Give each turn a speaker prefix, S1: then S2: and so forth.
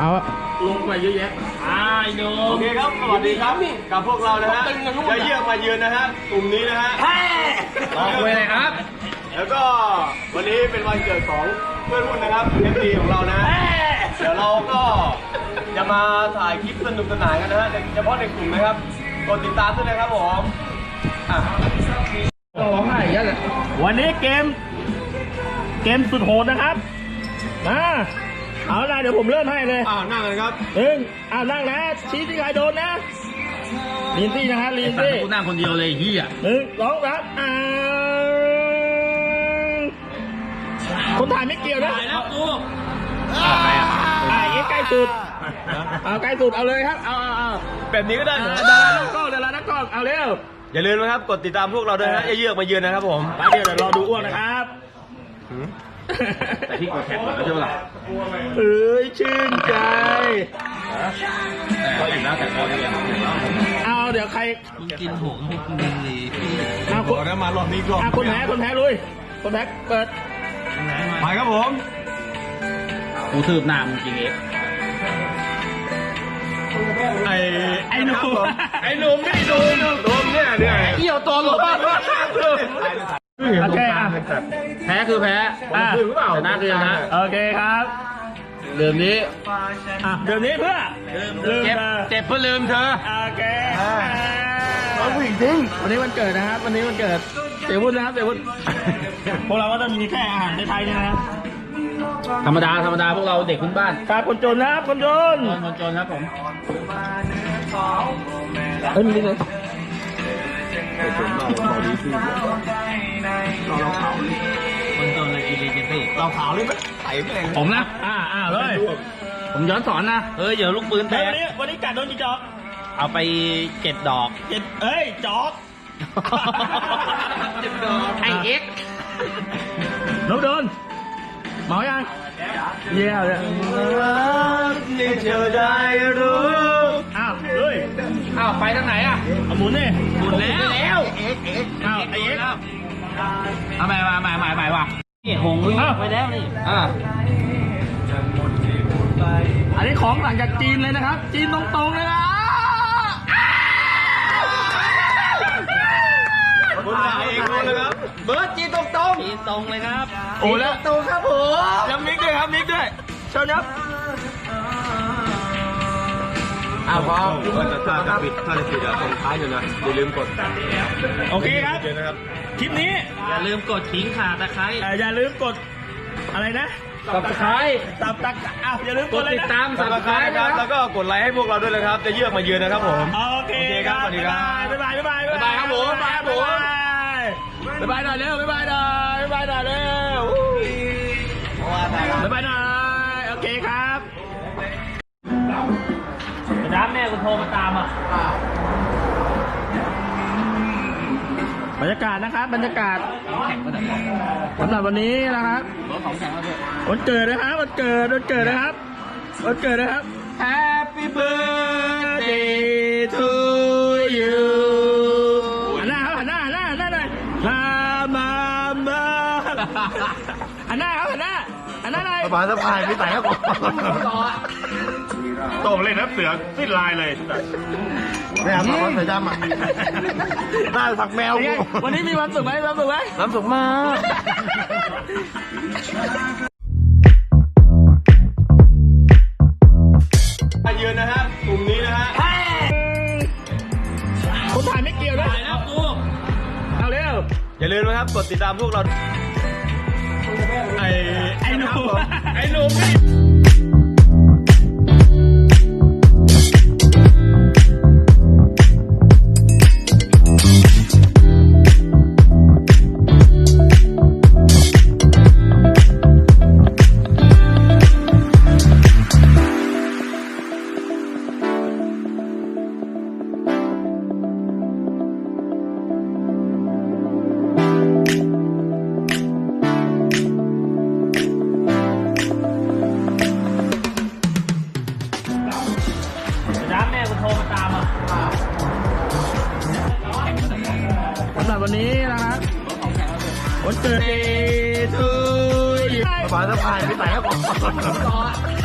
S1: เอาลงไปเยอะแยะโอเคครับสวัสดีครับกับพวกเรานะฮะจะเยี่ยมมาเยือนนะฮะกลุ่มนี้นะฮะลองไปเลยครับแล้วก็วันนี้เป็นวันเกิดของเพื่อนรุ่นนะครับFDของเรานะเดี๋ยวเราก็จะมาถ่ายคลิปสนุกสนานกันนะฮะเฉพาะในกลุ่มนะครับกดติดตามด้วยนะครับผมร้องไห้เยอะเลยวันนี้เกมสุดโหดนะครับมาเอาละเดี๋ยวผมเริ่มให้เลยนั่งเลยครับนั่งนะชี้ที่ใครโดนนะลีนซี่นะครับลีนซี่กูนั่งคนเดียวเลยเฮีย1 2 3คนถ่ายไม่เกี่ยวนะถ่ายแล้วกูใกล้สุดใกล้สุดเอาเลยครับเอาแบบนี้ก็ได้ดารานักกล้องเอาเร็วอย่าลืมนะครับกดติดตามพวกเราด้วยนะเยือกมาเยือนนะครับผมไปเดี๋ยวรอดูอ้วนนะครับแต่ที่กดแข่งแล้วใช่ไหมล่ะชื่นใจก็อิ่มแล้วแต่พอดีเอาเดี๋ยวใครกินหงให้กินดีเอาคนแล้วมารอบนี้รอบคนแพ้ลุยคนแพ้เปิดไปครับผมกูสืบหน้ามึงจริงไอ้หนุ่มเนี่ยเกี่ยวตัวหลบโอเคแพ้คือแพ้ชนะคือชนะโอเคครับเดิมนี้เพื่อลืมเจ็บเพื่อลืมเธอโอเคเอาผู้หญิงจริงวันนี้วันเกิดนะครับวันนี้วันเกิดเสียวุฒินะครับเสียวุฒิพวกเราก็จะมีแค่อาหารในไทยนี่นะครับธรรมดาพวกเราเด็กพื้นบ้านครับคนจนนะครับคนจนครับผมมีนี่เลยคนจนเลยกินเลยสิเราขาวเลยมันใส่ไปเลยผมนะเลยผมย้อนสอนนะเดี๋ยวลูกปืนแตกวันนี้กัดโดนกี่จอกเอาไป7 ดอกจอก7 ดอกไอเอ็กน้องโดนเมายังเยี่ยมเลยนี่เธอได้รู้เลยไปทางไหนหมุนนี่หมุนแล้วเอ็กไอเอ็กเอาใหม่ว่ะนี่หงวิ่งไปแล้วนี่อันนี้ของสั่งจากจีนเลยนะครับจีนตรงๆเลยนะคุณถ่ายเองเลยครับเบิร์ดจีนตรงเลยครับโอ้แล้วตรงครับผมยังมิกด้วยครับเชิญครับพอถ้าจะปิดตรงท้ายอยู่นะอย่าลืมกดโอเคครับคลิปนี้อย่าลืมกดทิ้งขาตะไคร้อย่าลืมกดอะไรนะตับตะไคร้อย่าลืมกดติดตามตับตะไคร้ครับแล้วก็กดไลค์ให้พวกเราด้วยนะครับจะเยือกมาเยือนนะครับผมโอเคครับสวัสดีครับบ๊ายบายครับผมบ๊ายบายหน่อยเร็วบ๊ายบายหน่อยโอเคครับน้ำแม่กูโทรมาตามบรรยากาศนะครับบรรยากาศสำหรับวันนี้นะครับวันเกิดนะครับวันเกิดนะครับ Happy birthday to you หันหน้าหน่อยมาหันหน้าหน่อยสบายไม่ใส่ครับผมโต่งเล่นนะเสือสิ้นลายเลยไม่เอามาใส่ดำได้สักแมววันนี้มีความสุขไหมความสุขมากมาเยือนนะฮะกลุ่มนี้นะฮะคนถ่ายไม่เกี่ยวนะถ่ายแล้วกูเอาเร็วอย่าลืมนะครับกดติดตามพวกเราไอ้หนุ่มสำหรับวันนี้นะครับวันเกิดทูสบายไม่ใส่ครับผม